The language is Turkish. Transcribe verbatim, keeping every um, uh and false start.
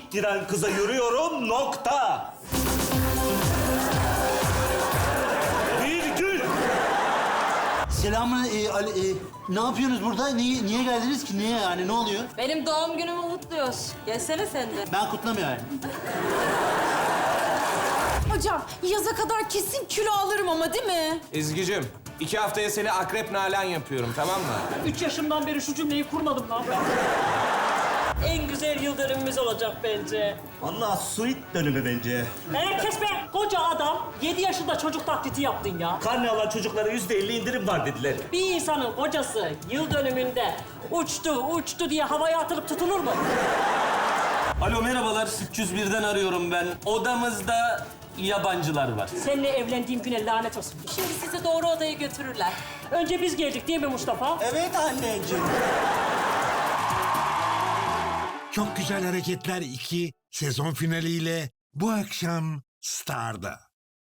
ittiren kıza yürüyorum, nokta. Virgül. Selamın e, Ali, e, ne yapıyorsunuz burada? Niye, niye geldiniz ki? Niye yani? Ne oluyor? Benim doğum günümü kutluyoruz. Gelsene sen de. Ben kutlamıyorum yani. Hocam yaza kadar kesin kilo alırım ama değil mi? Ezgi'cim, iki haftaya seni akrep nalan yapıyorum, tamam mı? Üç yaşımdan beri şu cümleyi kurmadım lan ben. En güzel yıl dönümümüz olacak bence. Vallahi suit dönümü bence. Herkes be, koca adam yedi yaşında çocuk taklidi yaptın ya. Karne alan çocuklara yüzde elli indirim var dediler. Bir insanın kocası yıl dönümünde uçtu, uçtu diye havaya atılıp tutulur mu? Alo merhabalar, üç yüz birden arıyorum ben. Odamızda yabancılar var. Seninle evlendiğim güne lanet olsun. Şimdi sizi doğru odaya götürürler. Önce biz geldik değil mi Mustafa? Evet anneciğim. Çok Güzel Hareketler iki sezon finaliyle bu akşam Star'da.